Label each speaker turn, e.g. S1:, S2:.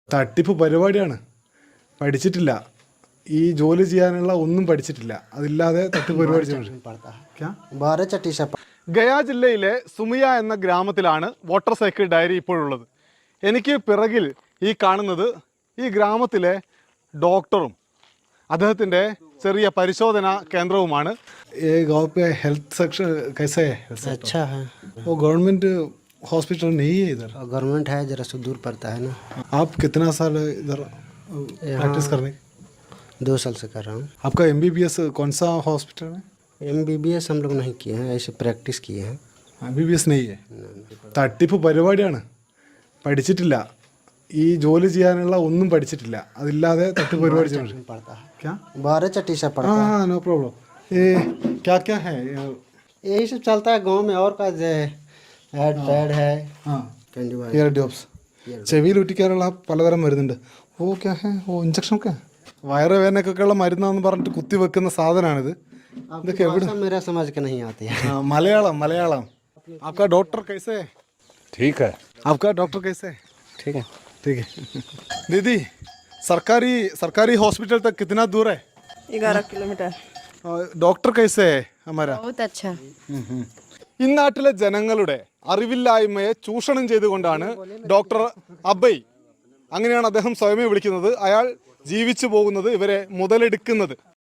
S1: തട്ടിപ്പ് പരിപാടിയാണ്. പഠിച്ചിട്ടില്ല. ഈ ജോലി ചെയ്യാനുള്ള ഒന്നും പഠിച്ചിട്ടില്ല. അതില്ലാതെ തട്ടിപ്പ് പരിപാടി ചെയ്യുന്നുണ്ട്. ഗയാ ജില്ലയിലെ സുമിയ എന്ന ഗ്രാമത്തിലാണ് വാട്ടർ സൈക്കിൾ ഡയറി ഇപ്പോഴുള്ളത്. എനിക്ക് പിറകിൽ ഈ കാണുന്നത് ഈ ഗ്രാമത്തിലെ ഡോക്ടറും അദ്ദേഹത്തിൻ്റെ ചെറിയ പരിശോധന കേന്ദ്രവുമാണ്. हेल्थ सेक्शन कैसे है?
S2: अच्छा है।
S1: वो गवर्नमेंट हॉस्पिटल नहीं है इधर.
S2: गवर्नमेंट है, जरा सा दूर पड़ता है ना.
S1: आप कितना साल इधर प्रैक्टिस करने?
S2: 2 साल से कर रहा हूँ.
S1: आपका MBBS कौन सा हॉस्पिटल में?
S2: MBBS हम लोग नहीं किए हैं, ऐसे प्रैक्टिस किए हैं.
S1: MBBS नहीं है. തട്ടിപ്പ് പരിപാടിയാണ്. പഠിച്ചിട്ടില്ല. ഈ ജോലി ചെയ്യാനുള്ള ഒന്നും പഠിച്ചിട്ടില്ല. അതില്ലാതെ തട്ടിപ്പ് പരിപാടി ചെയ്യുന്നുണ്ട്. क्या?
S2: 12 चट्टी से पड़ता है.
S1: हाँ, नो प्रॉब्लम. ये क्या क्या है?
S2: यही सब चलता है गांव में. और का हेड पैड है.
S1: हाँ,
S2: कैंडी
S1: ഇയർ ഡ്രോപ്സ്. ചെവിയിൽ ഒട്ടിക്കാനുള്ള പലതരം മരുന്നുണ്ട്. ഓ ക്യാ ഹേ? ഓ ഇഞ്ചക്ഷൻ ഒക്കെ. വയറുവേദനക്കൊക്കെയുള്ള മരുന്നാന്ന് പറഞ്ഞിട്ട് കുത്തി വെക്കുന്ന സാധനമാണിത്. ഇതൊക്കെ എവിടെ?
S2: मेरा समझ के नहीं आती है.
S1: मलयालम. आपका डॉक्टर कैसे है?
S3: ठीक है.
S1: आपका डॉक्टर कैसे है?
S2: ठीक है.
S1: ठीक है. दीदी, सरकारी हॉस्पिटल तक कितना दूर है?
S4: 11 किलोमीटर.
S1: डॉक्टर कैसे है हमारा?
S4: बहुत अच्छा.
S1: ഈ നാട്ടിലെ ജനങ്ങളുടെ അറിവില്ലായ്മയെ ചൂഷണം ചെയ്തുകൊണ്ടാണ് ഡോക്ടർ അബൈ, അങ്ങനെയാണ് അദ്ദേഹം സ്വയമേ വിളിക്കുന്നത്, അയാൾ ജീവിച്ചു പോകുന്നത്, ഇവരെ മുതലെടുക്കുന്നത്.